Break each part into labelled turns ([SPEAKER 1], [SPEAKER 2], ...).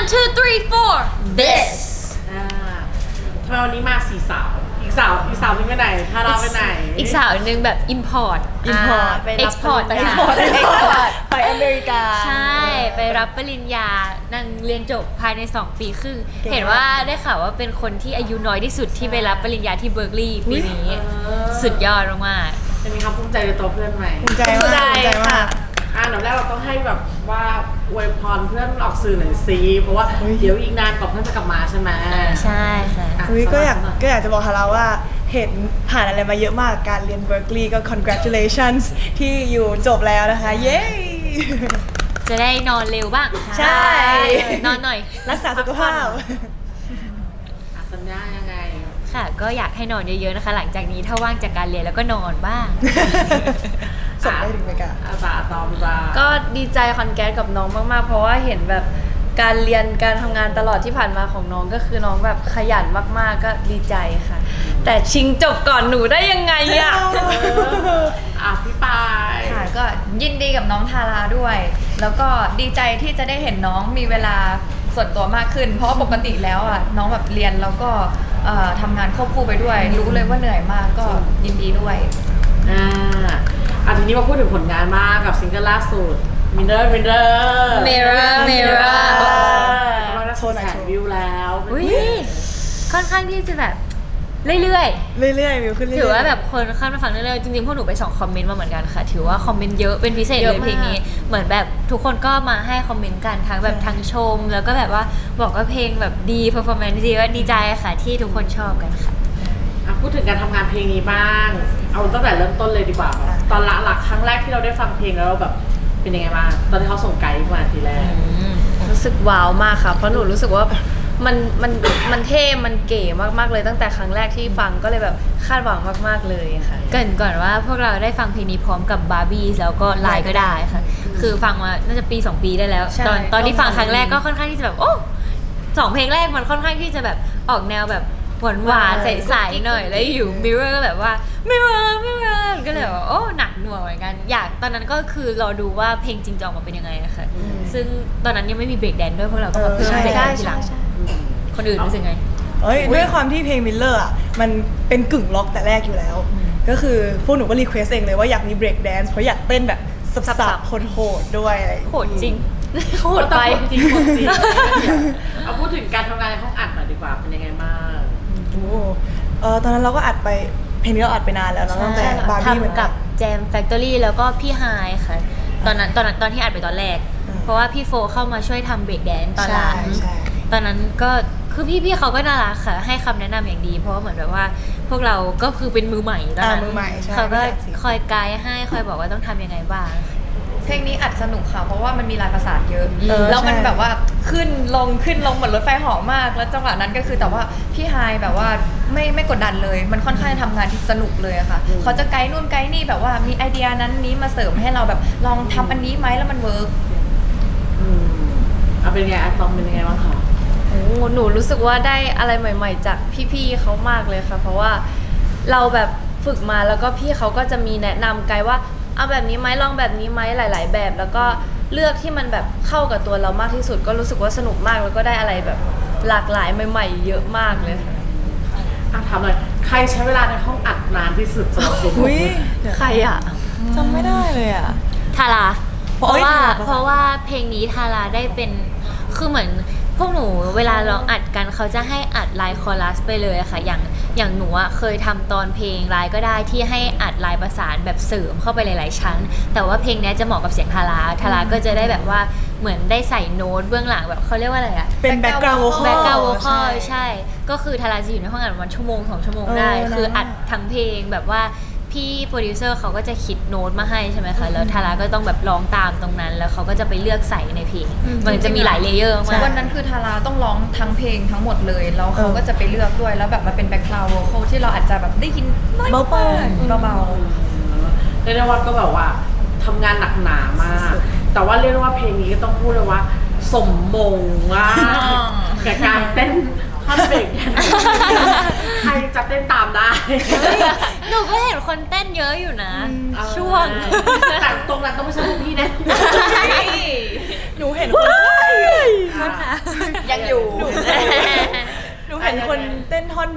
[SPEAKER 1] one two three four this
[SPEAKER 2] ทำไมวันนี้มาสี่สาวอีกสาวหนึงไปไหนทาราไปไหน
[SPEAKER 1] อีกสาวหนึ่งแบบ import
[SPEAKER 3] ไปรับ
[SPEAKER 1] export ต่างหาก
[SPEAKER 3] ไปอเมริกา
[SPEAKER 1] ใช่ ไปรับปริญญานางเรียนจบภายใน 2 ปีครึ่ง
[SPEAKER 3] เก่งมาก
[SPEAKER 1] เห็นว่าได้ข่าวว่าเป็นคนที่อายุน้อยที่สุดที่ไปรับปริญญาที่เบิร์กลีย์ปีนี้สุดยอดมาก
[SPEAKER 2] จะมีความภูมิใจในตัวเพื่อนไหม
[SPEAKER 3] ภูมิใจมากภูมิใจมาก
[SPEAKER 2] อันดับแรกเราต้องให้แบบว่าอวยพรเพื่อนออกสื่อหน่อยสิเพราะว่าเดี๋ยวอีกนานกว่าเพื่อนจะกลับมาใช่ไหม
[SPEAKER 1] ใช่ค่ะ
[SPEAKER 3] ก็อยากจะบอกฮาราว่าเห็นผ่านอะไรมาเยอะมากการเรียนเบิร์กลีย์ก็ congratulations ที่อยู่จบแล้วนะคะ เย้
[SPEAKER 1] จะได้นอนเร็วบ้าง
[SPEAKER 3] ใช่
[SPEAKER 1] นอนหน่อย
[SPEAKER 3] รักษาสุขภาพ
[SPEAKER 2] สัญญายังไง
[SPEAKER 1] ค่ะ ก็อยากให้นอนเยอะๆนะคะ หลังจากนี้ถ้าว่างจากการเรียนแล้วก็นอนบ้าง
[SPEAKER 3] ส่งไปถึงอเมริกา
[SPEAKER 2] อาสาตอมจ้า
[SPEAKER 4] ก็ดีใจคอนแกสกับน้องมากๆ เพราะว่าเห็นแบบการเรียนการทำงานตลอดที่ผ่านมาของน้องก็คือน้องแบบขยันมากๆก็ดีใจค่ะ แต่ชิงจบก่อนหนูได้ยังไงอะ
[SPEAKER 2] พี่ปาย
[SPEAKER 5] ค่ะก็ยินดีกับน้องทาราด้วย แล้วก็ดีใจที่จะได้เห็นน้องมีเวลาส่วนตัวมากขึ้น เพราะว่าปกติแล้วอ่ะน้องแบบเรียนแล้วก็ทำงานควบคู่ไปด้วย รู้เลยว่าเหนื่อยมากก็ยินดีด้วย
[SPEAKER 2] ทีนี้มาพูดถึงผลงานมากกับซิงเกิลล่าสุด Mirror
[SPEAKER 1] Mirror
[SPEAKER 2] กำลังจะแสนวิวแล้ว
[SPEAKER 1] อุ้ยค่อนข้างที่จะแบบเรื่อยๆ
[SPEAKER 3] วิวขึ้นเรื่อยๆ
[SPEAKER 1] ถือว่าแบบคนเข้ามาฟังเรื่อยๆจริงๆพวกหนูไปส่องคอมเมนต์มาเหมือนกันค่ะ ถือว่าคอมเมนต์เยอะเป็นพิเศษเลยเพลงนี้เหมือนแบบทุกคนก็มาให้คอมเมนต์กันทั้งแบบทั้งชม แล้วก็แบบว่าบอกว่าเพลงแบบดีเพอร์ฟอร์แมนซ์ดีว่าดีใจค่ะที่ทุกคนชอบกันค่ะ
[SPEAKER 2] พูดถึงการทำงานเพลงนี้บ้าง เอาตั้งแต่เริ่มต้นเลยดีกว่าตอนหลักครั้งแรกที่เราได้ฟังเพลงแล้วเราแบบเป็นยังไงบ้างตอนที่เขาส่งไกด์มาทีแรก
[SPEAKER 4] รู้สึกว้าวมากค่ะ เพราะหนูรู้สึกว่ามันเท่ มันเก๋มากๆเลยตั้งแต่ครั้งแรกที่ฟังก็เลยแบบคาดหวังมากๆเลยค่ะ
[SPEAKER 1] เกริ่นก่อนว่าพวกเราได้ฟังเพลงนี้พร้อมกับบาร์บี้แล้วก็ไลน์ก็ได้ค่ะ คือฟังมาน่าจะปี 2 ปีได้แล้ว
[SPEAKER 4] ใช่
[SPEAKER 1] ตอนที่ฟังครั้งแรกก็ค่อนข้างที่จะแบบโอ้2 เพลงแรกมันค่อนข้างที่จะแบบออกแนวแบบหวานๆใสๆหน่อยแล้วอยู่ Mirror ก็แบบว่า Mirror ก็เลยว่าโอ้หนักหน่วงเหมือนกันอยากตอนนั้นก็คือรอดูว่าเพลงจริงจะออกมาเป็นยังไงอะค่ะซึ่งตอนนั้นยังไม่มีเบรกแดนด้วยพวกเราก็มาเพิ่มเบรกแดนทีหลังคนอื่นรู้สึกไง
[SPEAKER 3] ด้วยความที่เพลงมิลเลอร์อ่ะมันเป็นกึ่งล็อกแต่แรกอยู่แล้ว ก็คือพวกหนูก็รีเควสเองเลยว่าอยากมีเบรกแดนซ์เพราะอยากเต้นแบบสับๆโหดๆด้วยอะไร
[SPEAKER 1] โหดจริงโหดไป
[SPEAKER 2] จริงเอาพูดถึงการทำงานในห้องอัดหน่อยดีกว่าเป็นยังไงบ้าง
[SPEAKER 3] ตอนนั้นเราก็อัดไปเพลงนี้เราอัดไปนานแล้วเนอะตั้งแต่บาร์บี้เหมือน
[SPEAKER 1] ทำ
[SPEAKER 3] กั
[SPEAKER 1] กัน บแจมแฟคทอรี่แล้วก็พี่ไฮค่ะตอนที่อัดไปตอนแรก เพราะว่าพี่โฟเข้ามาช่วยทำเบรกแดนซ์ตอนหลัง
[SPEAKER 3] ใช่
[SPEAKER 1] ตอนนั้นก็คือพี่เขาก็น่ารักค่ะให้คำแนะนำอย่างดี เพราะว่าเหมือนแบบว่าพวกเราก็คือเป็นมือใหม่ตอนนั้น
[SPEAKER 3] มือใหม่ใช่
[SPEAKER 1] เขาก็
[SPEAKER 3] ไม่อยากเสีย
[SPEAKER 1] คอยไกด์ให้คอยบอกว่าต้องทำยังไงบ้าง
[SPEAKER 5] เพลงนี้อัดสนุกค่ะ เพราะว่ามันมีลายประสานเยอะ แล้วมัน
[SPEAKER 3] ใช่
[SPEAKER 5] แบบว่าขึ้นลงเหมือนรถไฟเหาะมาก แล้วจังหวะนั้นก็คือแต่ว่าพี่ไฮายแบบว่าไม่กดดันเลย มันค่อนข้างทำงานที่สนุกเลยอะค่ะ เขาจะไกด์นู่นไกด์นี่แบบว่ามีไอเดียนั้นนี้มาเสริมให้เราแบบลองทำอันนี้ไหมแล้วมันเวิร์ก
[SPEAKER 2] เอาเป็นไงอะตอมเป็นยังไงบ้างคะ
[SPEAKER 4] โอ้หนูรู้สึกว่าได้อะไรใหม่ ๆ จากพี่ๆเขามากเลยค่ะ เพราะว่าเราแบบฝึกมาแล้วก็พี่เขาก็จะมีแนะนำไกด์ว่าเอาแบบนี้ไหมลองแบบนี้ไหมหลาย ๆ แบบ แล้วก็เลือกที่มันแบบเข้ากับตัวเรามากที่สุด ก็รู้สึกว่าสนุกมากแล้วก็ได้อะไรแบบหลากหลายใหม่ๆเยอะมากเลยค่ะ
[SPEAKER 2] ถามหน่อยใครใช้เวลาในห้องอัดนานที่สุดสำหรับเพลง
[SPEAKER 3] อุ้ย
[SPEAKER 4] ใครอ่ะ
[SPEAKER 3] จำไม่ได้เลยอ่ะ
[SPEAKER 1] ทารา
[SPEAKER 3] เพราะว่า
[SPEAKER 1] เพราะว่าเพลงนี้ทาราได้เป็นคือเหมือนพวกหนูเวลาร้องอัดกันเขาจะให้อัดไลน์คอรัสไปเลยอะค่ะอย่างหนูอะเคยทำตอนเพลงไลน์ก็ได้ที่ให้อัดไลน์ประสานแบบเสริมเข้าไปหลายๆชั้น แต่ว่าเพลงนี้จะเหมาะกับเสียงทาราก็จะได้แบบว่าเหมือนได้ใส่โน้ตเบื้องหลังแบบเขาเรียกว่าอะไรอะ
[SPEAKER 3] เป็นแบ็กกราวด์โวคอล
[SPEAKER 1] แบ็กกราวด์โวคอลใช่ ก็คือทาราจะอยู่ในห้องอัดประมาณชั่วโมง2 ชั่วโมงได้ คืออัดทั้งเพลงแบบว่าพี่โปรดิวเซอร์เขาก็จะคิดโน้ตมาให้ใช่ไหมคะแล้วทาราก็ต้องแบบร้องตามตรงนั้น แล้วเขาก็จะไปเลือกใส่ในเพลงมันจะมีหลายเลเยอร์มาก
[SPEAKER 5] วันนั้นคือทาราต้องร้องทั้งเพลงทั้งหมดเลย แล้วเขาก็จะไปเลือกด้วยแล้วแบบมาเป็นแบ็คกราวด์โวคอลที่เราอาจจะแบบได้ยินน้อยมากเบา
[SPEAKER 2] เรียกได้ว่าก็แบบว่าทำงานหนักหนามาก แต่ว่าเรียกได้ว่าเพลงนี้ก็ต้องพูดเลยว่า สมมงมากกับการเต้นท่อนเบรกเนี่ยใครจะเต้นตามได้
[SPEAKER 1] หนูก็เห็นคนเต้นเยอะอยู่นะ ช่วง
[SPEAKER 2] แต่ตรงนั้นต้องไม่ใช่พวกพี่แน่
[SPEAKER 3] หนูเห็นคน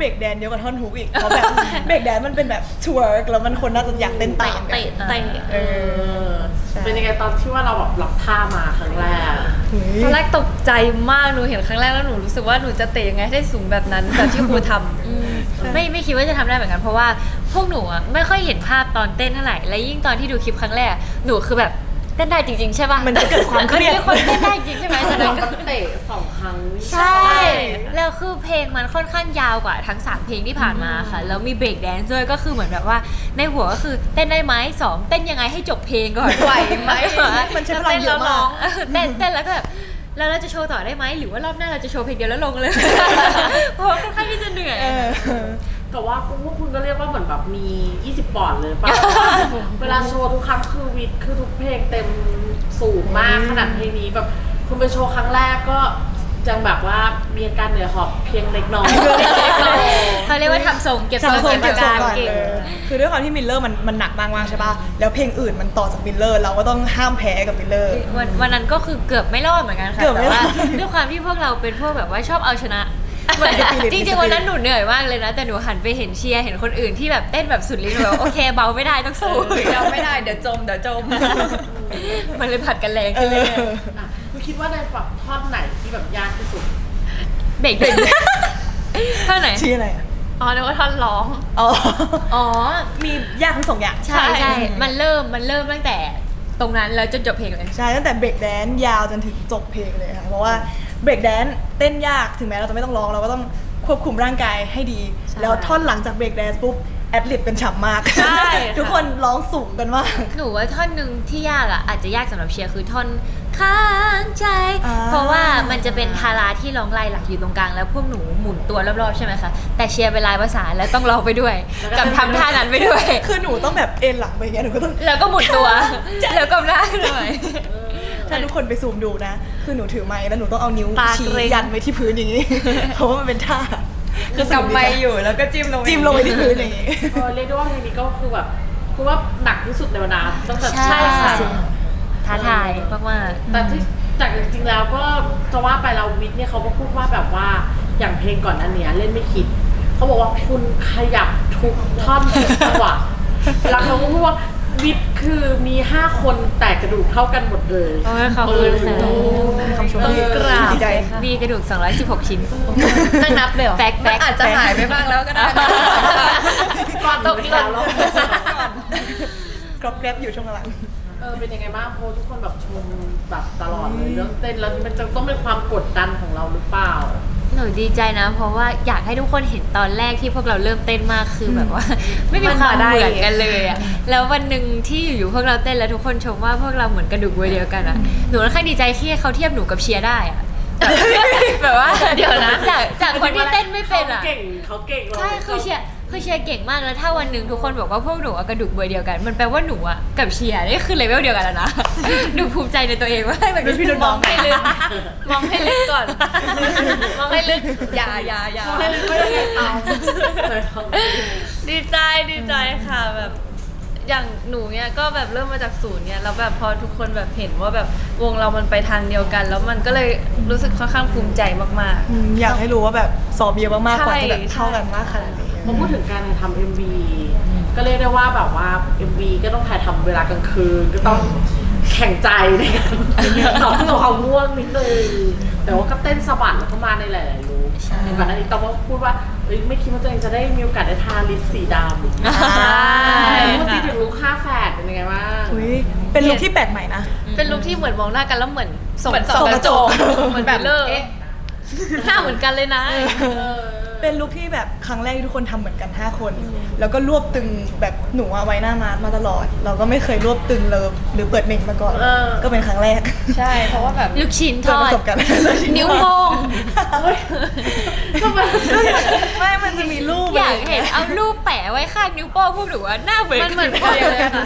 [SPEAKER 3] รกแดนเยอะกว่าท่อนฮุกอีกเพราะแบบเบรกแดนมันเป็นแบบทเวิร์กแล้วมันคนน่าจะอยากเต้นตามกัน
[SPEAKER 1] เตะ
[SPEAKER 3] เออ ใช่
[SPEAKER 2] เป็นยังไงตอนที่ว่าเราแบบรับท่ามาครั้งแรก
[SPEAKER 3] หุย
[SPEAKER 4] ตอนแรกตกใจมากหนูเห็นครั้งแรกแล้วหนูรู้สึกว่าหนูจะเตะยังไงให้ได้สูงแบบนั้นแบบที่ครูทำ
[SPEAKER 1] ไม่คิดว่าจะทำได้เหมือนกันเพราะว่าพวกหนูอะไม่ค่อยเห็นภาพตอนเต้นเท่าไหร่และยิ่งตอนที่ดูคลิปครั้งแรกหนูคือแบบเต้นได้จริงๆใช่ป่ะ
[SPEAKER 3] มันจะเกิดความเครียด
[SPEAKER 1] นมีคนเต้นได้จริงใช่ไหมตอน
[SPEAKER 2] เรา
[SPEAKER 1] นั้น
[SPEAKER 2] ก็เตะ2 ครั้ง
[SPEAKER 1] ใช่ แล้วคือเพลงมันค่อนข้างยาวกว่าทั้ง 3 เพลงที่ผ่านมาค่ะ แล้วมีเบรกแดนซ์ด้วยก็คือเหมือนแบบว่าในหัวก็คือเต้นได้ไหม2เต้นยังไงให้จบเพลงก่อน
[SPEAKER 4] ไหวไหม
[SPEAKER 3] มันใช้พลังเยอะมาก
[SPEAKER 1] เต้นแล้วก็แบบแล้วเราจะโชว์ต่อได้ไหมหรือว่ารอบหน้าเราจะโชว์เพลงเดียวแล้วลงเลย เพราะว่าค่อนข้างที่จะเหนื่อย
[SPEAKER 3] เออ
[SPEAKER 2] แต่ว่าพวกคุณก็เรียกว่าเหมือนแบบมี 20 ปอนด์เลยป่ะ เวลาโชว์ทุกครั้งคือวิดคือทุกเพลงเต็มสูงมากขนาดเพลงนี้แบบคุณไปโชว์ครั้งแรกก็จังแบบว่ามีอาการเหนื่อยหอบเพียงเล็กน้อย
[SPEAKER 1] เขาเรียกว่าทำทรงเก็บทรง
[SPEAKER 3] ทำทรงเก็บทรงก่อน
[SPEAKER 1] เก่ง
[SPEAKER 3] คือด้วยความที่มิลเลอร์มันหนักมากๆใช่ป่ะ แล้วเพลงอื่นมันต่อจากมิลเลอร์เราก็ต้องห้ามแพ้กับมิลเลอร์
[SPEAKER 1] วันนั้นก็คือเกือบไม่รอดเหมือนกันค่ะ
[SPEAKER 3] เกือบไม่
[SPEAKER 1] แต่
[SPEAKER 3] รอ
[SPEAKER 1] ว่า
[SPEAKER 3] ด
[SPEAKER 1] ด้วยความที่พวกเราเป็นพวกแบบว่าชอบเอาชนะ
[SPEAKER 3] spirit
[SPEAKER 1] จริงๆวันนั้นหนูเหนื่อยมากเลยนะ แต่หนูหันไปเห็นเชียร์เห็นคนอื่นที่แบบเต้นแบบสุดฤทธิ์หนูแบบโอเคเบาไม่ได้ต้องสู้
[SPEAKER 5] เราไม่ได้เดี๋ยวจม
[SPEAKER 1] มันเลยผัดกันแรง
[SPEAKER 3] เอ
[SPEAKER 1] ขึ้นเลย
[SPEAKER 3] อ
[SPEAKER 2] อ่ะคุณคิดว่าในแบบท่อนไหนที่แบบยากที่สุด
[SPEAKER 1] เบรกเท่าไหน
[SPEAKER 3] ชื่ออะไรอ่ะ
[SPEAKER 4] อ๋อนึกว่าท่อนร้อง
[SPEAKER 3] อ๋อ
[SPEAKER 1] อ๋อ
[SPEAKER 3] มียากทั้งสองอย่าง
[SPEAKER 1] ใช่ใช่มันเริ่มตั้งแต่ตรงนั้นแล้วจนจบเพลงเลย
[SPEAKER 3] ใช่ตั้งแต่เบรกแดนยาวจนถึงจบเพลงเลยค่ะเพราะว่าเบรกแดนเต้นยากถึงแม้เราจะไม่ต้องร้องเราก็ต้องควบคุมร่างกายให้ดี แล้วท่อนหลังจากเบรกแดนปุ๊บแอดลิบกันฉ่ำมาก
[SPEAKER 1] ใช่
[SPEAKER 3] ทุกคนร้องสูงกันมาก
[SPEAKER 1] หนูว่าท่อนหนึ่งที่ยากอ่ะอาจจะยากสำหรับเชียร์คือท่อนค้างใจ
[SPEAKER 3] อ่า
[SPEAKER 1] เพราะว่ามันจะเป็นทาราที่ร้องลายหลักอยู่ตรงกลางแล้วพวกหนูหมุนตัวรอบๆใช่ไหมคะแต่เชียร์เป็นลายภาษานแล้วต้องร้องไปด้วย กับทำท่านั้นไปด้วย
[SPEAKER 3] คือหนูต้องแบบเอ็นหลังไปอย่างเงี้ยหนูก็ต้อง
[SPEAKER 1] แล้วก็หมุนตัว แล้วก็หน้าขึ้นหน่อย
[SPEAKER 3] ถ้าทุกคนไปซูมดูนะ คือหนูถือไม้แล้วหนูต้องเอานิ้ว
[SPEAKER 4] ตา
[SPEAKER 3] ชี้
[SPEAKER 4] เกร็ง
[SPEAKER 3] ยันไว้ที่พื้นอย่างนี้ เพราะว่ามันเป็นท่า
[SPEAKER 5] คือกำไมอยู่แล้วก็จิ้มลง
[SPEAKER 3] จิ้มลงไปที่พื้นอย่างนี้
[SPEAKER 2] เรียกได้ว่าเพลงนี้ก็คือแบบคือว่าหนักที่สุดในบรรดาตั้งแต่
[SPEAKER 1] ใช่ค่ะ
[SPEAKER 2] สุด
[SPEAKER 1] ท้าทายมาก
[SPEAKER 2] แต่ที่จากจริงๆแล้วก็จะว่าไปเราวิทย์เนี่ยเขาก็พูดว่าแบบว่าอย่างเพลงก่อนอันเนี้ยเล่นไม่คิดเขาบอกว่าคุณขยับทุกท่อนทุกจังหวะแล้วเขาก็พูดว่าวิทย์คือมี 5 คนแต่กระดูกเท่ากันหมดเลย
[SPEAKER 1] ๆโอ้ยขอบคุณค่ะ
[SPEAKER 3] คำชมที่
[SPEAKER 2] กราบ
[SPEAKER 3] ดีใจ
[SPEAKER 1] มีกระดูก 216 ชิ้น
[SPEAKER 4] นั่งนับเลยเหรอ
[SPEAKER 1] แฟก
[SPEAKER 5] มันอาจจะหายไปบ้างแล้วก็ได้
[SPEAKER 2] ก่อน
[SPEAKER 1] ตก
[SPEAKER 2] ไป
[SPEAKER 1] หล่
[SPEAKER 2] แล้ว
[SPEAKER 1] น
[SPEAKER 3] กรอบแกรบอยู่ช่วงหลัง
[SPEAKER 2] เป็นยังไงบ้างโพสทุกคนแบบชมแบบตลอดเลยเรื่องเต้นแล้วมันจะต้องเป็นความกดดันของเราหรือเปล่า
[SPEAKER 1] หนูดีใจนะ เพราะว่าอยากให้ทุกคนเห็นตอนแรกที่พวกเราเริ่มเต้นมากคือแบบว่า ไม่มีความเหมือนกันเลยอะแล้ววันหนึ่งที่อยู่ๆพวกเราเต้นแล้วทุกคนชมว่าพวกเราเหมือนกระดูกวัวเดียวกันอะหนูค่อนข้างดีใจที่เขาเทียบหนูกับเชียร์ได้อะแบบว่าเดี๋ยวนะจากคนที่เต้นไม่เป็นอะ
[SPEAKER 2] เขาเก่งเรา
[SPEAKER 1] ใช่คือเชียร์เก่งมากแล้วถ้าวันหนึ่งทุกคนบอกว่าพวกหนูอะกระดูกเบอร์เดียวกัน มันแปลว่าหนูอะกับเชียร์นี่คือเลเวลเดียวกันแล้วนะ หนูภูมิใจในตัวเองว่าแบบ
[SPEAKER 3] เป็นพี่รุ่นน้อง
[SPEAKER 1] ไม่ลึก
[SPEAKER 4] มองให้ลึกก่อน มองให้ลึก
[SPEAKER 5] อย่า
[SPEAKER 2] ไม่รู้ว่ายังไงเอาเลยเขา
[SPEAKER 4] ดีใจค่ะแบบอย่างหนูเนี่ยก็แบบเริ่มมาจากศูนย์เนี่ยแล้วแบบพอทุกคนแบบเห็นว่าแบบวงเรามันไปทางเดียวกัน แล้วมันก็เลยรู้สึกค่อนข้างภูมิใจมาก
[SPEAKER 3] อยากให้รู้ว่าแบบสอบเยอะมากๆกว่าจะแบบ
[SPEAKER 4] ใช่
[SPEAKER 3] เท่ากันมากขนาดนี้
[SPEAKER 2] พอพูดถึงการทำ MV ก็เรียกได้ว่าแบบว่า MV ก็ต้องถ่ายทำเวลากลางคืนก็ต้องแข่งใจในการต่อสู้กับความง่วงนิดนึงแต่ว่าก็เต้นสะบัดแล้วก็มาในหลายๆลุคในวันนั้นต้องพูดว่าไม่คิดว่าตัวเองจะได้มีโอกาสได้ทาลิปสีดำพูดถึงลุค5แฝดเป็นยังไงบ้าง
[SPEAKER 3] อุ๊ยเป็นลุคที่แปลกใหม่นะ
[SPEAKER 4] ๆ เป็นลุคที่เหมือนมองหน้ากันแล้วเหมือนส่ง
[SPEAKER 5] เหมือนส่องกระจก
[SPEAKER 4] เหมือนแบบเลอร์หน้าเหมือนกันเลยนะ
[SPEAKER 3] เป็นลุคที่แบบครั้งแรกที่ทุกคนทำเหมือนกัน 5 คน แล้วก็รวบตึงแบบหนูเอาไว้หน้ามาตลอด เราก็ไม่เคยรวบตึงเลยหรือเปิดเน่งมาก่อน ก็เป็นครั้งแรก
[SPEAKER 5] ใช่เพราะว่าแบบ
[SPEAKER 1] ลูกชิ้นท
[SPEAKER 3] เจอ
[SPEAKER 1] อ
[SPEAKER 3] ประ
[SPEAKER 1] ด
[SPEAKER 3] สบการณ์
[SPEAKER 1] นิ้วโป้ง
[SPEAKER 2] ทำไม
[SPEAKER 3] ไม่มันจะมีรูป
[SPEAKER 1] อยากเห็นเอารูปแปะไว้ข้างนิ้วโป้งพวกหนูว่าหน้าเหมือน
[SPEAKER 4] มันเหมือนกันเลยค่ะ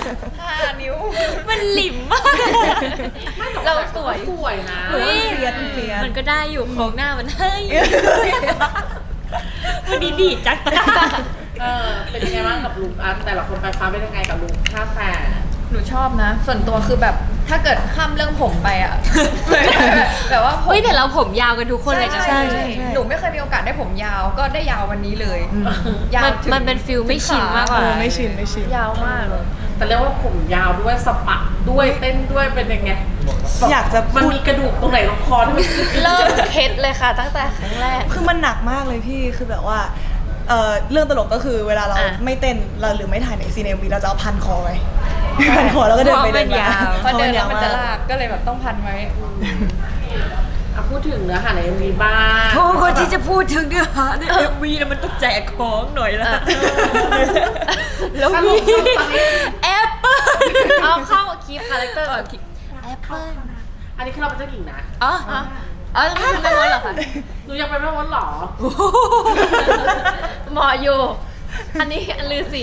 [SPEAKER 5] 5 นิ้ว
[SPEAKER 1] มันหลิมมาก
[SPEAKER 2] เราสวยนะ
[SPEAKER 3] เฮ้ยเฟียส
[SPEAKER 1] มันก็ได้อยู่โครงหน้ามันให้วันนี้ดีจัง
[SPEAKER 2] เป็นยังไงบ้างกับลุคอันแต่ละคนไปฟ้าเป็นยังไงกับลุค5แฝด
[SPEAKER 5] หนูชอบนะ ส่วนตัวคือแบบถ้าเกิดข้ามเรื่องผมไปอ่ะ แบบว่าผม
[SPEAKER 1] เฮ้ยแต่เราผมยาวกันทุกคนเลยนะ
[SPEAKER 3] ใช่
[SPEAKER 5] หนูไม่เคยมีโอกาสได้ผมยาวก็ได้ยาววันนี้เลยยาว
[SPEAKER 1] มันเป็นฟิลไม่ชินมากกว่า
[SPEAKER 3] ไม่ชินไม่ชิน
[SPEAKER 4] ยาวมากเลย
[SPEAKER 2] แต่เรียกว่าผมยาวด้วยสปักด้วยเต้นด้วยเป็นยังไง
[SPEAKER 3] อยากจะ
[SPEAKER 2] มัน
[SPEAKER 3] พูด
[SPEAKER 2] มีกระดูกตรงไหนตรงคอที่มัน
[SPEAKER 4] เริ่มเคล็ดเลยค่ะ ตั้งแต่ครั้งแรก
[SPEAKER 3] คือมันหนักมากเลยพี่คือแบบว่าเรื่องตลกก็คือเวลาเรา
[SPEAKER 1] อ่ะ
[SPEAKER 3] ไม่เต้นเราหรือไม่ถ่ายในซีเนมีเราจะเอาพันคอไว้ พันคอแล้วก็เดินไปเดินมา
[SPEAKER 5] พอเดินแล้วมันจะ
[SPEAKER 3] เพรา
[SPEAKER 5] ลากก็เลยแบบต้องพันไว้
[SPEAKER 2] พูดถึงเนื้อหาในมีบ้าง
[SPEAKER 1] โอ้คนที่จะพูดถึงเนื้อหาใน MV นะมันต้องแจกของหน่อยละแล้ว
[SPEAKER 2] ส
[SPEAKER 1] มี
[SPEAKER 2] รุปตอนนี้
[SPEAKER 1] แอปเปิ้ล
[SPEAKER 4] เอาเข้าคีฟคาแรคเตอร์ก่อน
[SPEAKER 1] แอปเปิ้ล
[SPEAKER 2] อันนี้คือเราเป็นเจ้าหญิงนะ
[SPEAKER 1] อ๋ออ๋อทำไมไม่วนเหรอคะ
[SPEAKER 2] หนูยังเป็นแม่มดเหรอ
[SPEAKER 4] เหมาะอยู่ อันนี้อันลือสี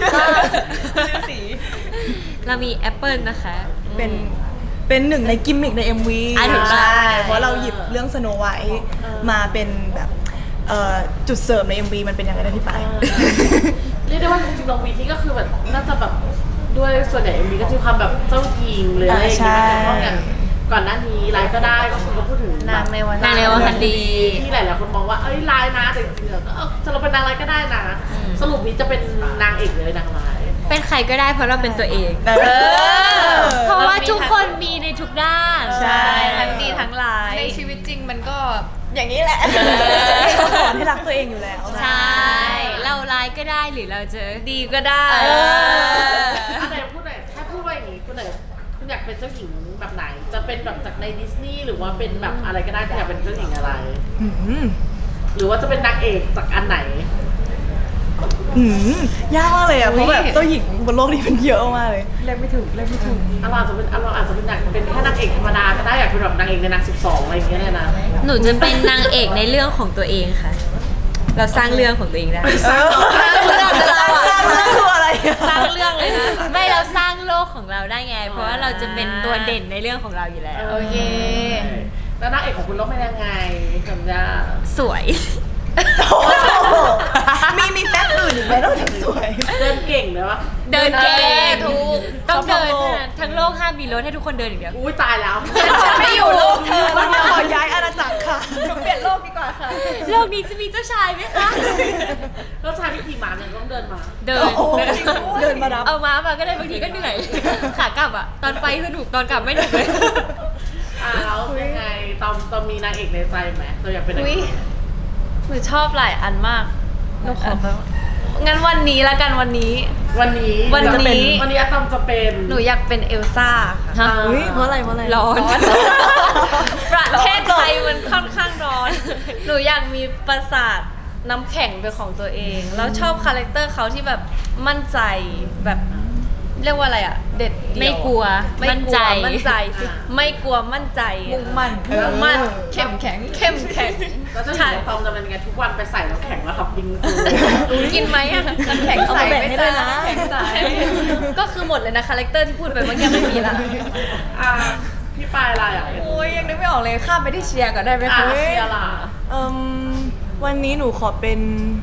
[SPEAKER 1] เรามีแอปเปิ้ลนะคะ
[SPEAKER 3] เป็นหนึ่งในกิมมิคใน MV
[SPEAKER 1] ถูกต้อง
[SPEAKER 3] ใช่เพราะเราหยิบเรื่องสโนไวท์มาเป็นแบบจุดเสริมใน MV มันเป็นยังไงนะพี่ปาย
[SPEAKER 2] เรียกได้ว่าจริงๆลองวีนี่ก็คือแบบน่าจะแบบด้วยส่วนใหญ่มีก็จะมีความแบบเจ้าหญิงเลยอะไรอย่างเงี้ยเพราะอย่างก่อนหน้านี้ไลฟ์ก็ได้ก็คือก็พูดถึง
[SPEAKER 4] นางในวัน
[SPEAKER 1] นางในวันคันดี
[SPEAKER 2] ที่หลายๆคนมองว่าเอ้ยไลฟ์นะแต่จริงๆแล้วก็จะเราเป็นนางไลฟ์ก็ได้นะสรุปนี้จะเป็นนางเอกเลยนางไลฟ์
[SPEAKER 1] เป็นใครก็ได้เพราะเราเป็นตัวเอง
[SPEAKER 3] เออ
[SPEAKER 1] เพราะว่าทุกคนมีในทุกด้าน
[SPEAKER 3] ใช่
[SPEAKER 4] ทั้งดีทั้งร้าย
[SPEAKER 5] ในชีวิตจริงมันก็อย่างนี้แหละ
[SPEAKER 3] เขาสอนให้รักตัวเองอยู่แล้ว
[SPEAKER 1] ใช่ เราร้ายก็ได้หรือเราจะ
[SPEAKER 4] ดีก็ได้
[SPEAKER 2] อันไหนพูดหน่อยถ้าพูดว่าอย่างนี้คุณไหนคุณอยากเป็นเจ้าหญิงแบบไหน จะเป็นแบบจากในดิสนีย์หรือว่าเป็นแบบอะไรก็ได้คุณอยากเป็นเจ้าหญิงอะไร
[SPEAKER 3] อืม
[SPEAKER 2] หรือว่าจะเป็นนางเอกจากอันไหน
[SPEAKER 3] ยากมากเลยอ่ะเพราะแบบเจ้าหญิงบนโลกนี้มันเยอะมากเลย
[SPEAKER 2] เราอาจจะเป็นเราอาจจะเป็นนางเป็นแค่นางเอกธรรมดาก็ได้อยากเป็นแบบนางเอกในนาง12อะไรอย่างเงี้ยเลยนะ
[SPEAKER 1] หนูจะเป็นนางเอกในเรื่องของตัวเองค่ะ เราสร้างเรื่องของตัวเองได้
[SPEAKER 3] สร้างเรื่องคืออะไรอะ
[SPEAKER 4] สร้างเรื่องเลยนะ
[SPEAKER 1] ไม่เราสร้างโลกของเราได้ไง เพราะว่าเราจะเป็นตัวเด่นในเรื่องของเราอยู่แล้ว
[SPEAKER 4] โอเค
[SPEAKER 2] แล้วนางเอกของคุณต้องเป็นยังไงจำได้
[SPEAKER 1] สวย
[SPEAKER 3] มีแฟกต์อื่นอีกไหมนอกจากสวย
[SPEAKER 2] เดินเก่งเลยวะ
[SPEAKER 1] เดินเก่ง
[SPEAKER 4] ถูก
[SPEAKER 1] ต้องเดิน
[SPEAKER 3] ชอบโลก
[SPEAKER 1] ทั้งโลกห้ามมีรถให้ทุกคนเดินอย่างเดียว
[SPEAKER 2] อุ้ยตายแล้ว
[SPEAKER 5] ไม่อยู่โลกเธอ
[SPEAKER 3] วันนี้ขอย้ายอาณาจักรค่ะ
[SPEAKER 5] เปลี่ยนโลกดีกว่าค่ะ
[SPEAKER 1] โลกนี้จะมีเจ้าชายไหมคะ
[SPEAKER 2] แล้วชายที่ขี่ม้าเนี่ยต้องเดินมา
[SPEAKER 1] เดิน
[SPEAKER 3] โอ้โหเดินมารับ
[SPEAKER 1] เอาม้ามาก็ได้บางทีก็เหนื่อย ขากลับอ่ะ ตอนไปสนุกตอนกลับไม่หนุกเลย
[SPEAKER 2] แล้วยังไงตอนมีนางเอกในใจไหมเราอยากเป็นนาง
[SPEAKER 4] อุ๊
[SPEAKER 2] เอย ก
[SPEAKER 4] หนูชอบหลายอันมากหนูขอแบบงั้นวันนี้ละกันวันนี้
[SPEAKER 2] วันนี้
[SPEAKER 4] วันนี้
[SPEAKER 2] วันนี้อาตอมจะเป็น
[SPEAKER 4] หนูอยากเป็นเอลซ่าค่ะ
[SPEAKER 1] ฮะ
[SPEAKER 3] อุ้ยเพราะอะไร
[SPEAKER 1] ร้อน
[SPEAKER 4] ประเทศไทยมันค่อนข้างร้อน หนูอยากมีปราสาทน้ำแข็งเป็นของตัวเอง แล้วชอบคาแรคเตอร์เขาที่แบบมั่นใจแบบเรียกว่าอะไรอะเด็ดเดี่ยว
[SPEAKER 1] ไม่กลัว
[SPEAKER 4] ไม่
[SPEAKER 1] มั่น
[SPEAKER 4] กลั
[SPEAKER 1] ใจ
[SPEAKER 4] วมั่นใจสิไม่กลัวมั่นใจ
[SPEAKER 5] มุ่งมั่น
[SPEAKER 4] มุ่งมั่น
[SPEAKER 5] เข้มแข็ง
[SPEAKER 4] เข้มแข็ง
[SPEAKER 2] แล้วเจะเห็นอาตอมจะเป็นยังไงทุกวันไปใส่น้ำแข็งแล้วขับบิงซู
[SPEAKER 4] กินไหมอะ
[SPEAKER 5] น้ำแข็งใส
[SPEAKER 3] เอามาแบ่งให้ด้วยนะ
[SPEAKER 5] น้ำแข็งใส
[SPEAKER 4] ก็คือหมดเลยนะคาแรคเตอร์ที่พูดไปเมื่อกี้ไม่มีละ
[SPEAKER 2] อ่ะพี่ปายอะไรอ่ะ
[SPEAKER 5] โอ้ยยังนึกไม่ออกเลยข้ามไปที่เชียร์ก่อนได้ไหม
[SPEAKER 2] อ่ะ
[SPEAKER 5] คะ
[SPEAKER 2] เชียร์ล่ะ
[SPEAKER 3] วันนี้หนูขอเป็น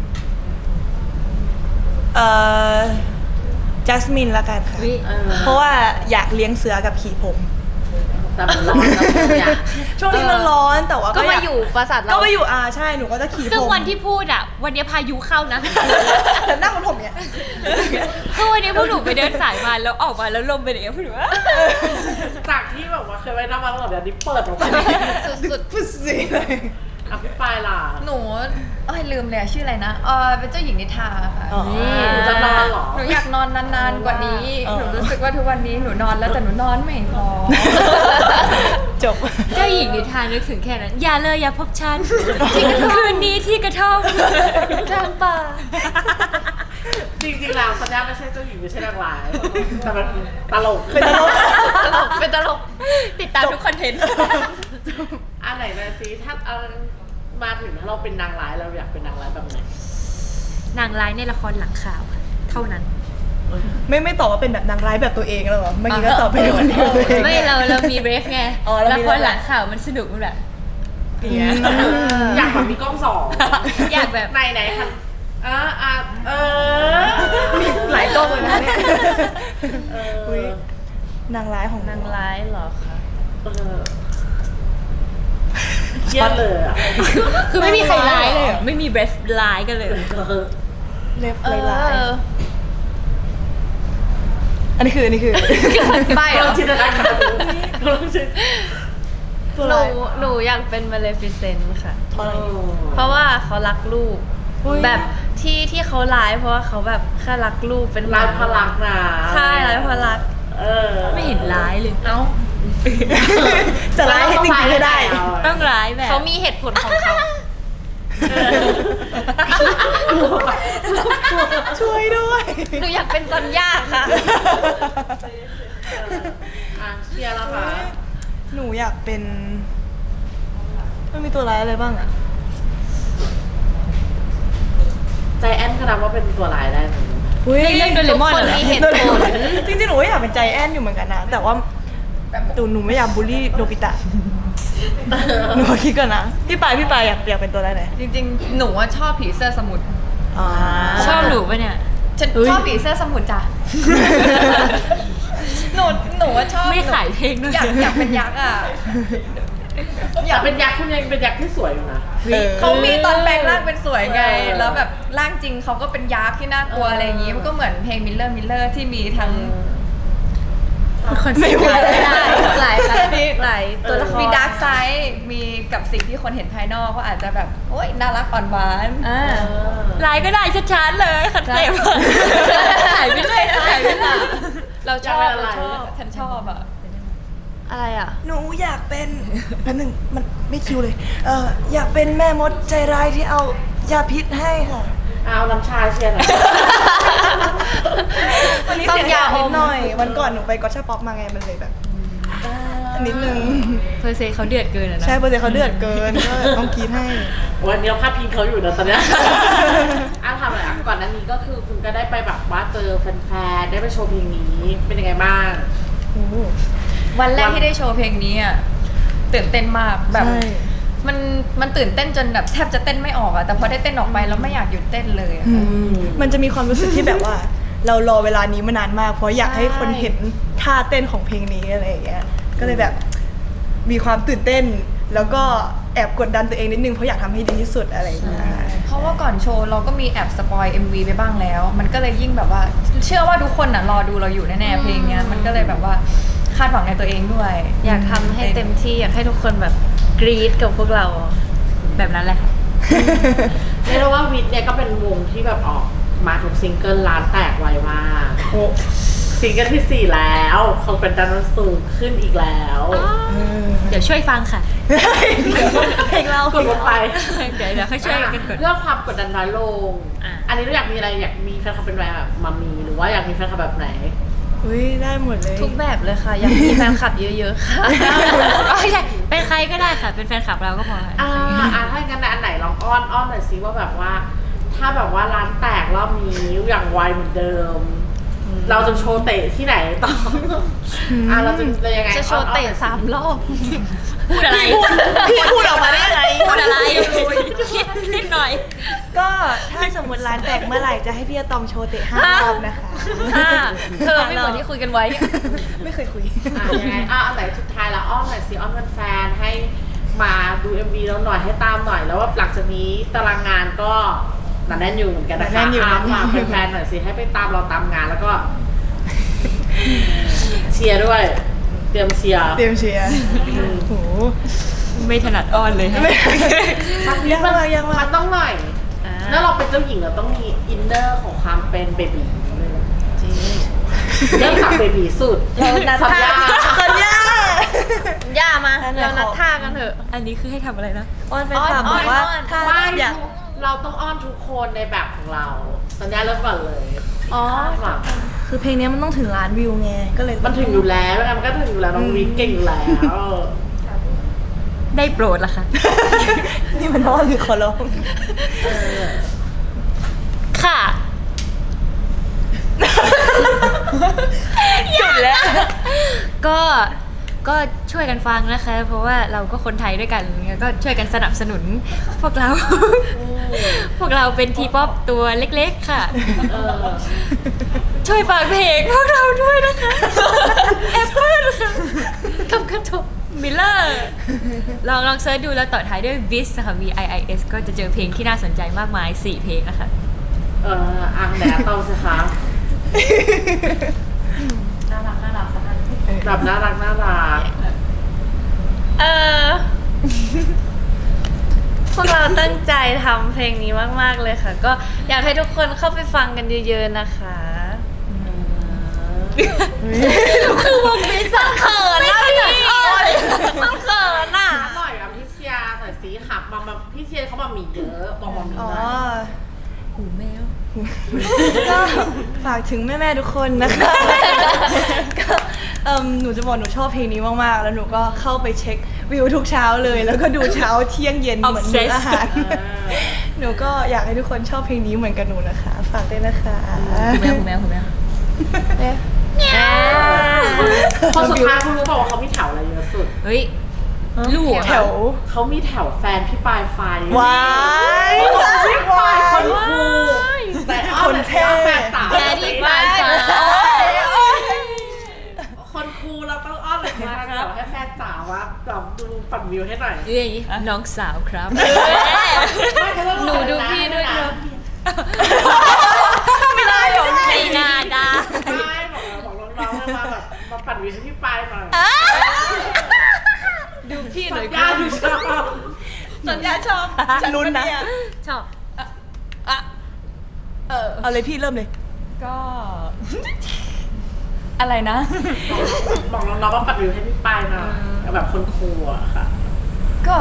[SPEAKER 3] จัสมินละกันค่ะ
[SPEAKER 1] อุ๊ย
[SPEAKER 3] เพราะว่าอยากเลี้ยงเสือกับขี่ผม
[SPEAKER 2] แต่มันร้อนแล้วใช่ไหมอ่ะ
[SPEAKER 3] ช่วงนี้มันร้อนแต่ว่า
[SPEAKER 4] ก็มา
[SPEAKER 3] าก
[SPEAKER 4] อยู่ปราสาทเรา
[SPEAKER 3] ก็มาอยู่ใช่หนูก็จะขี่ผม
[SPEAKER 1] ซึ่งวันที่พูดอ่ะ วันนี้พายุเข้านะ
[SPEAKER 3] แต่นั่งบนผมเนี่ย
[SPEAKER 1] คือวันนี้พวกหนูไปเดินสายมาแล้วออกมาแล้วลมเป็นอย่างเงี้ยพวกหนูว่า
[SPEAKER 2] จากที่แบบว่าเคยไว้หน้ามาตลอดเดี๋ยวนี้เปิดออกมา
[SPEAKER 4] สุด
[SPEAKER 3] พุดสิเลย
[SPEAKER 2] อ่ะพี่ปายล่ะ
[SPEAKER 5] หนูลืมเลยอะชื่ออะไรนะเป็นเจ้าหญิงนิทราค่ะ
[SPEAKER 3] อ๋อ
[SPEAKER 2] หนูจะนอนเหรอ
[SPEAKER 5] หนูอยากนอนนานๆกว่านี้ หนูรู้สึกว่าทุกวันนี้หนูนอนแล้วแต่หนูนอนไม่พอ
[SPEAKER 3] จบ
[SPEAKER 1] เจ้าหญิงนิทานนึกถึงแค่นั้น อย่าเลยอย่าพบฉันคืนนี้ที่กระท่อมกลางป่า
[SPEAKER 2] จริงๆแล้วสัญญาไม่ใช่เจ้าหญิงไม่ใช่นางร้ายแต่มันตลก
[SPEAKER 3] เป็นตลก
[SPEAKER 4] ตลกเป็นตลก
[SPEAKER 1] ติดตามทุกคอนเทนต์
[SPEAKER 2] อันไหนนะซิถ้าเอามาถึงถ้าเราเป็นนางร้ายเราอยากเป็นนางร้ายแบบไหน
[SPEAKER 1] นางร้ายในละครหลังข่าวค่ะ เท่านั้น
[SPEAKER 3] ไม่ตอบว่าเป็นแบบนางร้ายแบบตัวเองแล้วเหรอเมื่อกี้ก็ตอบไปในวันเดียวตัวเอง
[SPEAKER 1] ไม่เรามีเรฟไง
[SPEAKER 3] อ๋อเรา
[SPEAKER 1] ละ
[SPEAKER 3] มี
[SPEAKER 1] ครหลังข่าวมันสนุกมันแบบ
[SPEAKER 3] อย่างเงี้ย
[SPEAKER 2] อยากแบบมีกล้องสอง
[SPEAKER 1] อยากแบบ
[SPEAKER 2] ไหนคะเออ
[SPEAKER 3] หลายกล้องเลยนะเนี่ย
[SPEAKER 2] เอ
[SPEAKER 3] อุ๊ย
[SPEAKER 2] อน
[SPEAKER 3] างร้ายของ
[SPEAKER 4] นางร้ายเหรอคะ
[SPEAKER 2] เออเครียดเลยอ่ะ
[SPEAKER 1] คือไม่มีใครร้ายเลยเหรอไม่มีเบรฟร้ายกันเลยเหรอ
[SPEAKER 3] เล็บลายอันนี้คือ
[SPEAKER 5] ใบเหร
[SPEAKER 2] ล
[SPEAKER 5] อ
[SPEAKER 2] องจินตนาการดูลองจิน
[SPEAKER 3] ตัว
[SPEAKER 4] ห
[SPEAKER 3] ร้า
[SPEAKER 4] นู
[SPEAKER 3] ย
[SPEAKER 4] หนูอยากเป็นมาเลฟิเซนต์ค่ะ
[SPEAKER 3] เพราะอะไร
[SPEAKER 4] เพราะว่าเขารักลูก
[SPEAKER 3] อุ๊ย
[SPEAKER 4] แบบที่เขาร้ายเพราะว่าเขาแบบแค่รักลูกเป็น
[SPEAKER 2] ร้ายพลักนะ
[SPEAKER 4] ใช่ร้ายพลัก
[SPEAKER 2] เออ
[SPEAKER 1] ไม่เห็นร้ายเลย
[SPEAKER 5] เอ้า
[SPEAKER 3] จะร้ายให้จริงๆให้ได้
[SPEAKER 1] ต้องร้ายแบบ
[SPEAKER 4] เขามีเหตุผลของเขา
[SPEAKER 3] ช่วยด้วย
[SPEAKER 4] หนูอยากเป็นซอนย่าค่ะ
[SPEAKER 2] เชียร์แล้วค่ะ
[SPEAKER 3] หนูอยากเป็นมันมีตัวร้ายอะไรบ้างอะ
[SPEAKER 2] ใจแอนก็นับว่าเป็นตัวร้ายได้ไหม
[SPEAKER 1] ในเรื่องโดเรมอน
[SPEAKER 4] ทุกคน
[SPEAKER 1] เหรอ
[SPEAKER 4] มีเหตุผล
[SPEAKER 3] จริงๆหนูก็อยากเป็นใจแอนอยู่เหมือนกันนะ แต่ว่าหนูไม่อยากบูลลี่โนบิตะ หนูขอคิดก่อนนะ พี่ปายอยากเป็นตัวอะไรไหน
[SPEAKER 5] จริงๆ หนูว่าชอบผีเสื้อสมุทร
[SPEAKER 3] อ่า
[SPEAKER 1] ชอบหนูปะเนี่ย
[SPEAKER 5] ฉันชอบผีเสื้อสมุทรจ้ะ หนูว่าชอบ
[SPEAKER 1] ไม่ขายเพลงด้วย
[SPEAKER 5] อยากเป็นยักษ์อ่ะ
[SPEAKER 2] อยากเป็นยักษ์คุณยังเป็นยักษ์ที่สวยอยู่นะ
[SPEAKER 5] เขามีตอนแปลงร่างเป็นสวยไง แล้วแบบร่างจริงเขาก็เป็นยักษ์ที่น่ากลัวอะไรอย่างงี้ มันก็เหมือนเพลงมิลเลอร์ที่มีทั้ง
[SPEAKER 3] ไม่ไหว
[SPEAKER 4] หลายตัวละคร
[SPEAKER 5] มีดาร์กไซด์มีกับสิ่งที่คนเห็นภายนอกก็อาจจะแบบ โอ๊ยน่ารักอ่อนหวาน
[SPEAKER 1] ร้ายก็ได้ชัดๆเลยขัดเสพหายไปเลยหายไปเลย
[SPEAKER 5] เราชอบเราชอบฉันชอบอ่ะ
[SPEAKER 4] อะไรอ่ะ
[SPEAKER 3] หนูอยากเป็นแป๊บนึงมันไม่คิวเลย อยากเป็นแม่มดใจร้ายที่เอายาพิษให้ค่ะ
[SPEAKER 2] เอาน้ำชาเชียร์หน่อย
[SPEAKER 3] วันนี้
[SPEAKER 4] ต้อง
[SPEAKER 3] เสียง
[SPEAKER 4] ยา
[SPEAKER 3] ดัง
[SPEAKER 4] อม
[SPEAKER 3] นิดหน่อย วันก่อนหนูไปก็ชาป๊อปมาไงมันเลยแบบนิดนึง
[SPEAKER 1] เพอร์เซเขาเดือดเกินอะนะ
[SPEAKER 3] ใช่เปอร์เซ็นต์เขาเดือดเกินก็ต้องกรีดให้
[SPEAKER 2] วันนี้เราพาดพิงเขาอยู่นะตอนเนี้ยทำอะไรก่อนหน้านี้ก็คือคุณก็ได้ไปแบบว่าเจอแฟนๆได้ไปโชว์เพลงนี้เป็นยังไงบ้าง
[SPEAKER 3] โอ้โห
[SPEAKER 5] วันแรกที่ได้โชว์เพลงนี้อ่ะตื่นเต้นมากแบบ
[SPEAKER 3] ใช่
[SPEAKER 5] มันตื่นเต้นจนแบบแทบจะเต้นไม่ออกอะแต่พอได้เต้นออกไปแล้วไม่อยากหยุดเต้นเลยอะ
[SPEAKER 3] มันจะมีความรู้สึกที่แบบว่า เรารอเวลานี้มานานมาก เพราะอยากให้คนเห็นท่าเต้นของเพลงนี้อะไรอย่างเงี้ย ก็เลยแบบมีความตื่นเต้น แล้วก็แอบกดดันตัวเองนิดนึงเพราะอยากทำให้ดีที่สุดอะไรอย่างเงี้ย
[SPEAKER 5] เพราะว่าก่อนโชว์เราก็มีแอบสปอย MV ไปบ้างแล้ว มันก็เลยยิ่งแบบว่า เชื่อว่าทุกคนน่ะรอดูเราอยู่แน่ๆเพลงเนี้ยมันก็เลยแบบว่าคาดหวังในตัวเองด้วย
[SPEAKER 4] อยากทำให้เต็มที่อยากให้ทุกคนแบบกรี๊ดกับพวกเรา
[SPEAKER 1] แบบนั้นแหละค่ะ
[SPEAKER 2] เรียกได้ว่าวิทย์เนี่ยก็เป็นวงที่แบบออกมาทุกซิงเกิลล้านแตกไวมาก
[SPEAKER 3] โอ้
[SPEAKER 2] ซิงเกิลที่ 4 แล้วเขาเป็นดันสูงขึ้นอีกแล้ว
[SPEAKER 1] เดี๋ยวช่วยฟังค่ะ
[SPEAKER 3] เพลงเรา
[SPEAKER 2] กดลงไป
[SPEAKER 1] เดี๋ยวค่อยช่วยกันกด
[SPEAKER 2] เรื่องความกดดันน้อยลง
[SPEAKER 1] อ่ะ
[SPEAKER 2] อันนี้เราอยากมีอะไรอยากมีแฟนคลับเป็นแบบมามีหรือว่าอยากมีแฟนคลับแบบไหน
[SPEAKER 3] อุ้ยได้หมดเลย
[SPEAKER 4] ทุกแบบเลยค่ะ อยากมีแฟนคลับเยอะๆค่ะ
[SPEAKER 1] ไม่ใช่เป็นใครก็ได้ค่ะ เป็นแฟนคลับเราก็พอค่ะ
[SPEAKER 2] ถ้างั้นอันไหนลองอ้อนหน่อยสิว่าแบบว่า ถ้าแบบว่าร้านแตกรอบนี้อย่างไวเหมือนเดิม เราจะโชว์เตะที่ไหนต่อเราจะยังไง
[SPEAKER 4] จะโชว์เตะ 3 รอบ
[SPEAKER 1] พูดอะไร
[SPEAKER 3] พี่พูดออกมาได้ไง
[SPEAKER 1] พูดอะไรคิดนิดหน่อย
[SPEAKER 3] ก็ถ้าสมมติร้านแตกเมื่อไหร่จะให้พี่อะตอมโชว์เตะ5 รอบนะคะ
[SPEAKER 4] เธอไม่เหมือนที่คุยกันไว้
[SPEAKER 3] ไม่เคยคุย
[SPEAKER 2] ยังไงอันไหนสุดท้ายแล้วอ้อนหน่อยสิอ้อนแฟนๆให้มาดู MV แล้วหน่อยให้ตามหน่อยแล้วว่าหลังจากนี้ตารางงานก็หนาแน่นอยู่เหมือนกันนะคะ
[SPEAKER 3] หนาแน่นอยู่
[SPEAKER 2] ฝากแฟนๆหน่อยสิให้ไปตามเราตามงานแล้วก็ เชียร์ด้วย เตรียมเชียร์
[SPEAKER 3] เตรียมเชียร์โห
[SPEAKER 1] ไม่ถนัดอ้อนเลย
[SPEAKER 2] สักนิดมันต้องหน่อยแล้วเราเป็นเจ้าหญิงเราต้องมีอินเนอร์ของความเป็นเบบีจริงเริ่มจากเบบีสุด
[SPEAKER 4] เรานัด
[SPEAKER 2] สัญญา
[SPEAKER 3] สัญญา
[SPEAKER 4] ย่ามา
[SPEAKER 3] อันไหน
[SPEAKER 4] เรานัด
[SPEAKER 3] ขอ
[SPEAKER 4] ท่ากันเถอะ
[SPEAKER 1] อันนี้คือให้ทำอะไรนะ
[SPEAKER 3] อ้อนแฟนคลับบอกว่า
[SPEAKER 4] อ้อน
[SPEAKER 3] ถ้า
[SPEAKER 2] ไม่
[SPEAKER 3] อยาก
[SPEAKER 2] เราต้องอ้อนทุกคนในแบบของเรา สัญญาเริ่มก่อนเลย
[SPEAKER 4] อ๋อ
[SPEAKER 2] หวัง
[SPEAKER 3] คือเพลงนี้มันต้องถึงล้านวิวไง ก็เลย
[SPEAKER 2] มันถึงอยู่แล้วมันก็ถึงอยู่แล้วน้องวิทย์เก่งอยู่แล้ว
[SPEAKER 1] ได้โปรดละค่ะ
[SPEAKER 3] นี่มันอ้อนหรือขอร้อง
[SPEAKER 1] ค่ะ
[SPEAKER 3] หยุดแล้ว
[SPEAKER 1] ก็ช่วยกันฟังนะคะ เพราะว่าเราก็คนไทยด้วยกันก็ช่วยกันสนับสนุนพวกเราพวกเราเป็นทีป๊อปตัวเล็กๆค่ะ
[SPEAKER 2] เออ
[SPEAKER 1] ช่วยฝากเพลงพวกเราด้วยนะคะแอปเปิลค่ะกับกระทบมิลเลอร์ลองเซิร์ชดูแล้วต่อท้ายด้วย vis ค่ะ VIIS ก็จะเจอเพลงที่น่าสนใจมากมาย 4 เพลงนะคะ
[SPEAKER 2] อ่างแหนตองสิคะ
[SPEAKER 5] น่ารักสักอัน
[SPEAKER 2] แบบน่ารัก
[SPEAKER 4] พวกเราตั้งใจทำเพลงนี้มากๆเลยค่ะ ก็อยากให้ทุกคนเข้าไปฟังกันเยอะๆนะคะ คือวงไม่สักเขินนะพี่ต้องเขินอ่ะ
[SPEAKER 2] หน่อยกับพี่เชียร์หน่อยสิหักมาพี่เชียร์เขามามีเยอะบอกมามี
[SPEAKER 3] อ๋อ
[SPEAKER 2] หน่อย
[SPEAKER 1] หูแมว
[SPEAKER 3] ก็ฝากถึงแม่ๆทุกคนนะคะก็หนูจะบอกหนูชอบเพลงนี้มากๆ แล้วหนูก็เข้าไปเช็ควิวทุกเช้าเลย แล้วก็ดูเช้าเที่ยงเย็นเหมือนมื้ออาหาร หนูก็อยากให้ทุกคนชอบเพลงนี้เหมือนกับหนูนะคะ ฝากด้วยนะคะ
[SPEAKER 1] หูแมว
[SPEAKER 2] พอสุดท้ายคุณรู้เปล่าว่าเขามีแถวอะไรเยอะสุด
[SPEAKER 1] เฮ้ยลูก
[SPEAKER 3] แถว
[SPEAKER 2] เขามีแถวแฟนพี่ปลายไฟ
[SPEAKER 3] ว้าย
[SPEAKER 2] พี่ปลายคนคูแต่อ้อ
[SPEAKER 3] คนเท่
[SPEAKER 2] แฟนสาว
[SPEAKER 1] แดดดี้ปลายฟ้า
[SPEAKER 2] คนคูเราต้องอ้อนเลยนะครับให้แฟนสาวว่าดูปั่นวิวให้หน่อย
[SPEAKER 1] เอ้ยน้องสาวครับ
[SPEAKER 4] หนูดูพี่ด้วยครับ
[SPEAKER 1] ไม่ได้หรอกไม่น่าได้
[SPEAKER 2] ไม่บอกน้องๆมาแบบมาปั่นวิวให้พี่ปลายหน่อย
[SPEAKER 4] ดูพี่หน่อย
[SPEAKER 2] ย่าดูชอบ
[SPEAKER 5] สัญญาชอบ
[SPEAKER 3] ลุ้นนะ
[SPEAKER 1] ชอบ
[SPEAKER 3] เอาเลยพี่เริ่มเลย
[SPEAKER 5] ก็ อะไรนะ
[SPEAKER 2] บอกน้องๆว่าปั่นวิวให้พี่ปลายหน่อยแบบคนคูอะค่ะ
[SPEAKER 5] ก็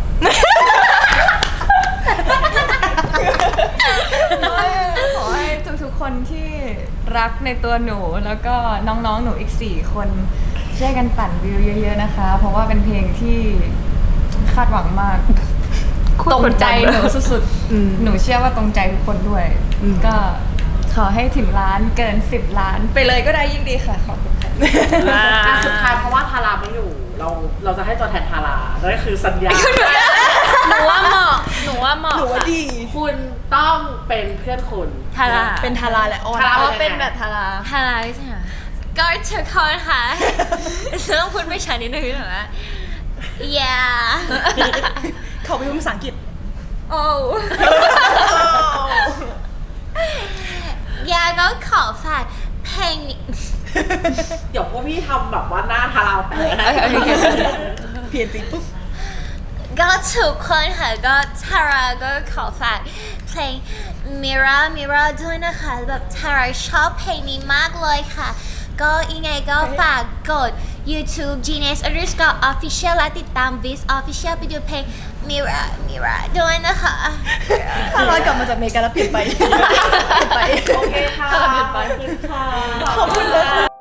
[SPEAKER 5] ขอให้ทุกๆคนที่รักในตัวหนู แล้วก็น้องๆหนูอีก 4 คนช่วยกันปั่นวิวเยอะๆนะคะ เพราะว่าเป็นเพลงที่คาดหวังมาก ตรงใจหนูสุด
[SPEAKER 3] อืม
[SPEAKER 5] ๆ หนูเชื่อว่าตรงใจทุกคนด้วย ก็ขอให้ถึงล้านเกิน 10 ล้าน ไปเลยก็ได้ยิ่งดีค่ะ ขอบคุณค่ะ
[SPEAKER 2] สุดท้ายเพราะว่าทาราไม่อยู่ เราจะให้ตัวแทนทารานั่นก็คือสัญญา
[SPEAKER 4] หนูว่าเหมาะ หนูว่าเหมาะ
[SPEAKER 3] หนูว่า
[SPEAKER 4] ค่ะ
[SPEAKER 3] ดี
[SPEAKER 2] คุณต้องเป็นเพื่อนคุณ
[SPEAKER 1] ทารา
[SPEAKER 3] เป็นทาราและอ้อน
[SPEAKER 2] ทารา
[SPEAKER 4] เพราะเป็นแบบทารา
[SPEAKER 1] ทาราใช่ไหมก็ทุกคนค่ะต้องพูดไม่ชัดนิดนึงหรอวะ yeah
[SPEAKER 3] เขาไปพูดภาษาอังกฤษ
[SPEAKER 1] oh ยาก็ขอฝากเพลงนี้
[SPEAKER 2] เดี๋ยวพวกพี่ทำแบบว่าหน้าทาราแปลก
[SPEAKER 3] เพียนจีปุ๊บ
[SPEAKER 1] ก็ทุกคนค่ะก็ทาราก็ขอฝากเพลง Mira Mira ด้วยนะคะแบบทาราชอบเพลงนี้มากเลยค่ะ ก็ยังไงก็ฝากกด YouTube Genius_Official และติดตาม Vis Official ไปดูเพลง Mira Mira ด้วยนะคะ
[SPEAKER 3] ถ้าร้อยกลับมาจากอเมริกาแล้วเปลี่ยนไป เปลี่ยนไป
[SPEAKER 2] โอเคค่ะ
[SPEAKER 3] ขอบคุณค่ะ
[SPEAKER 2] ขอบคุณค่ะ